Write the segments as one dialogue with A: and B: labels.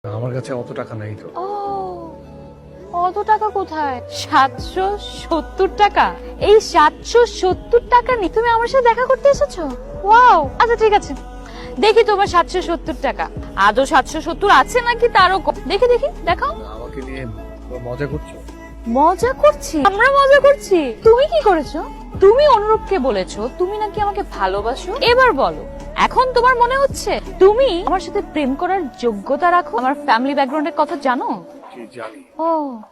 A: আমার কাছে অত টাকা নাই তো।
B: ও, অত টাকা কোথায়? 770 টাকা। এই 770 টাকা নিয়ে তুমি আমার সাথে দেখা করতে এসেছো? ওয়াও, আচ্ছা ঠিক আছে, দেখি তোমার 770 টাকা আদৌ 770 আছে নাকি তারও দেখি দেখি দেখাও।
A: আমাকে নিয়ে মজা করছো?
B: মজা করছি? আমরা মজা করছি? তুমি কি করেছো? তুমি অনুরূপকে বলেছো তুমি নাকি আমাকে ভালোবাসো। এবার বলো, এখন তোমার মনে হচ্ছে তুমি আমার সাথে প্রেম করার যোগ্যতা রাখো? আমার ফ্যামিলি ব্যাকগ্রাউন্ডের কথা জানো?
A: কি জানি।
B: ও,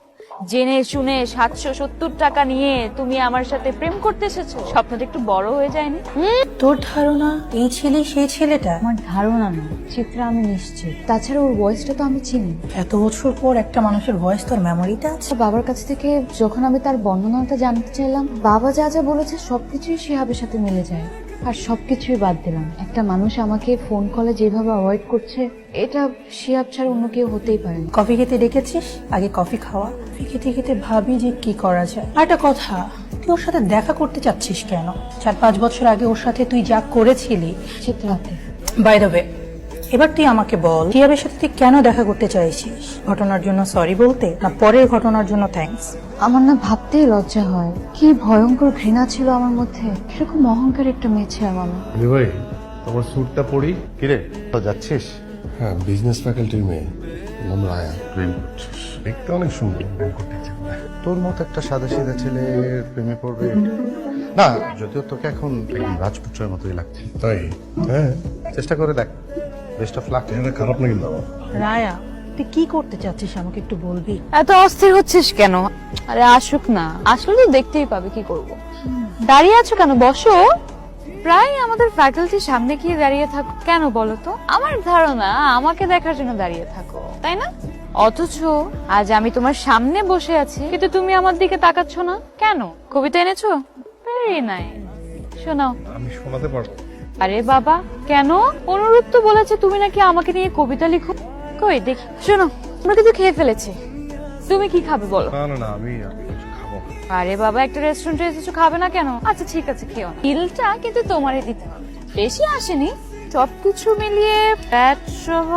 B: জেনে শুনে 770 টাকা নিয়ে তুমি আমার সাথে প্রেম করতে এসেছো? স্বপ্নটা একটু বড় হয়ে যায়নি?
C: তোর ধারণা এই ছেলে সেই ছেলেটা?
B: আমার ধারণা না চিত্রা, আমি নিশ্চিত। তাছাড়া ওর ভয়েসটা তো আমি চিনি।
C: এত বছর পর একটা মানুষের ভয়েস তোর মেমোরিতে আছে?
B: বাবার কাছ থেকে যখন আমি তার বর্ণনাটা জানতে চাইলাম, বাবা যা যা বলেছে সবকিছুই শিহাবের সাথে মিলে যায়। আর সবকিছুই বাদ দিলাম, একটা মানুষ আমাকে ফোন কলে যেভাবে অ্যাভয়েড করছে, এটা শিহাব ছাড়া অন্য কেউ হতেই পারে না।
C: কফি খেতে ডেকেছিস, আগে কফি খাওয়া। কফি খেতে খেতে ভাবি যে কি করা যায়। আর একটা কথা, তুই ওর সাথে দেখা করতে চাচ্ছিস কেন? 4-5 বছর আগে ওর সাথে তুই যা করেছিলি।
B: চিত্রাতে
C: বাই দ্য ওয়ে, এবার তুই আমাকে বল, শিহাবের সাথে তুই কেন দেখা করতে চাইছিস? ঘটনার জন্য সরি বলতে, না পরের ঘটনার জন্য থ্যাঙ্কস?
B: আমার না ভাবতেই লজ্জা হয়, কি ভয়ঙ্কর ঘৃণা ছিল আমার মধ্যে। এরকম অহংকার একটা মেয়ে ছিলাম আমি।
D: ভাই, তোমার স্যুটটা পরি। কিরে, তো যাচ্ছিস?
E: হ্যাঁ, বিজনেস ফ্যাকাল্টির মেয়ে, নাম রায়া।
D: প্রেম করছিস?
E: দেখতে অনেক সুন্দর, প্রেম করতে ইচ্ছে করে।
D: তোর মতো একটা সাদা সিধা ছেলের প্রেমে পড়বে না? যদিও তোকে এখন একদম রাজপুত্রের মতোই লাগছে।
E: তাই? হ্যাঁ,
D: চেষ্টা করে দেখ। Best of luck.
E: এটা খারাপ না কিন্তু।
C: রায়া, তুই কি করতে চাচ্ছিস আমাকে একটু বলবি?
B: এত অস্থির হচ্ছিস কেন? আরে আসুক না, আসলে তো দেখতেই পাবে, কি করব। দাঁড়িয়ে আছো কেন? বসো। প্রায় আমাদের ফ্যাকাল্টির সামনে গিয়ে দাঁড়িয়ে থাকো কেন বলো তো? আমার ধারণা আমাকে দেখার জন্য দাঁড়িয়ে থাকো, তাই না? অথচ আজ আমি তোমার সামনে বসে আছি, কিন্তু তুমি আমার দিকে তাকাচ্ছ না কেন? কবিতা এনেছো? ভেরি নাইস, শোনাও।
E: আমি শোনাতে পারবো।
B: আরে বাবা, কেন? অনুরোধ তো বলেছে তুমি নাকি আমাকে নিয়ে কবিতা লিখো। কই দেখি, শোনো। আমরা কিন্তু খেয়ে ফেলেছি, তুমি কি খাবে বলো?
E: না না না, আমি কিছু খাবো না।
B: আরে বাবা, একটা রেস্টুরেন্টে এসেছো, খাবে না কেন? আচ্ছা ঠিক আছে, খেও না। বিলটা কিন্তু তোমারই দিতে হবে, বেশি আসেনি। সবকিছু মিলিয়ে ফ্যাট সহ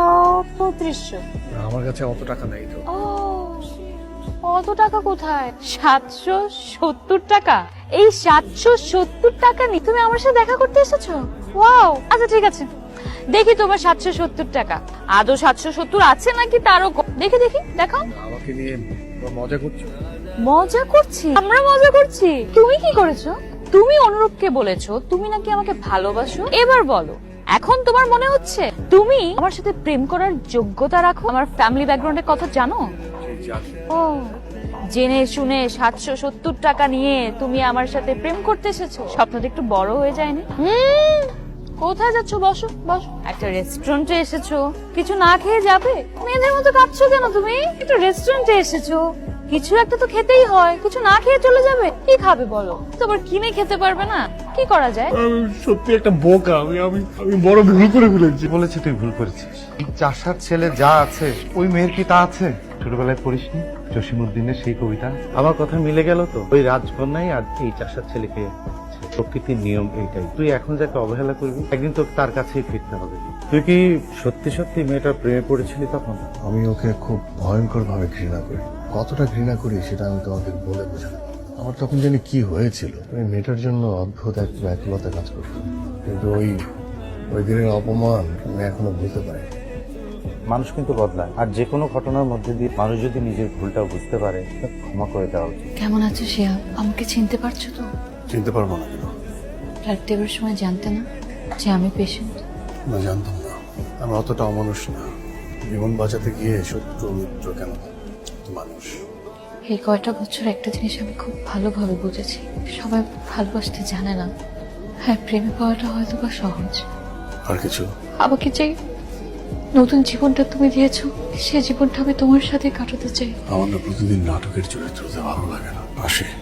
B: 3500।
A: আমার কাছে অত টাকা নাই তো।
B: ও, অত টাকা কোথায়? 770 টাকা। এই 770 টাকা নিয়ে তুমি আমার সাথে দেখা করতে এসেছো? ওয়াও, আচ্ছা ঠিক আছে, দেখি তোমার 770 টাকা আদৌ 770 আছে নাকি তারও দেখি দেখি দেখাও।
A: আমাকে নিয়ে মজা করছো?
B: মজা করছি? আমরা মজা করছি? তুমি কি করেছো? তুমি অনুরূপকে বলেছো তুমি নাকি আমাকে ভালোবাসো। এবার বলো, এখন তোমার মনে হচ্ছে তুমি আমার সাথে প্রেম করার যোগ্যতা রাখো? আমার ফ্যামিলি ব্যাকগ্রাউন্ডের কথা জানো?
A: কি জানি।
B: ও, জেনে শুনে 770 টাকা নিয়ে তুমি আমার সাথে প্রেম করতে এসেছো? স্বপ্নটা একটু বড় হয়ে যায়নি? কোথায় যাচ্ছ? বসো বসো। একটা রেস্টুরেন্টে এসেছো, কিছু না খেয়ে যাবে? মেয়েদের মতো কাঁদছো কেন তুমি? একটা রেস্টুরেন্টে এসেছো, কিছু একটা তো খেতেই হয়, কিছু না খেয়ে চলে যাবে? কি খাবে বলো? তোমার কিনে খেতে পারবে না? কি করা যায়?
E: সত্যি একটা বোকা। আমি বড় ভুল করে ফেলেছি।
D: বলেছি তুই ভুল করেছিস। এই চাষার ছেলে যা আছে, ওই মেয়ের কি তা আছে? ছোটবেলায় পড়িসনি জসিমউদ্দিনের সেই কবিতা? আমার কথা মিলে গেল তো। ওই রাজকন্যাই আর এই চাষার ছেলেকে, প্রকৃতির নিয়ম এইটাই। তুই এখন যাকে অবহেলা করবি, একদিন তোকে তার কাছেই ফিরতে হবে। তুই কি সত্যি সত্যি মেয়েটার প্রেমে পড়েছিলি তখন?
E: আমি ওকে খুব ভয়ঙ্কর ভাবে ঘৃণা করি। কতটা ঘৃণা করি সেটা আমি তোমাকে বলে বোঝাতে পারবো না। আমার তখন জানি কি হয়েছিল। ওই মেয়েটার জন্য অদ্ভুত এক ব্যাকুলতা কাজ করতো, কিন্তু ওই দিনের অপমান আমি এখনো ভুলতে পারি।
D: মানুষ কিন্তু বদলায়, আর যে কোনো ঘটনার মধ্যে দিয়ে মানুষ যদি নিজের ভুলটা বুঝতে পারে, তা ক্ষমা করে দেওয়া উচিত।
B: কেমন আছো শিহাব? আমাকে চিনতে পারছো তো?
E: চিনতে পারবো না কেন?
B: ব্লাড দেবার সময় জানতে না যে আমি পেশেন্ট?
E: না, জানতাম না। আমি অতটা অমানুষ না। জীবন বাঁচাতে গিয়ে শত্রু মিত্র কেন, মানুষ।
B: এই কয়টা বছর একটা জিনিস আমি খুব ভালোভাবে বুঝেছি, সবাই ভালোবাসতে জানে না। হ্যাঁ, প্রেমে পাওয়াটা হয়তো বা সহজ।
E: আর কিছু?
B: আমাকে যে নতুন জীবনটা তুমি দিয়েছো, সে জীবনটা আমি তোমার সাথে কাটাতে চাই।
E: আমার না প্রতিদিন নাটকের চরিত্রতে ভালো লাগে না। আসে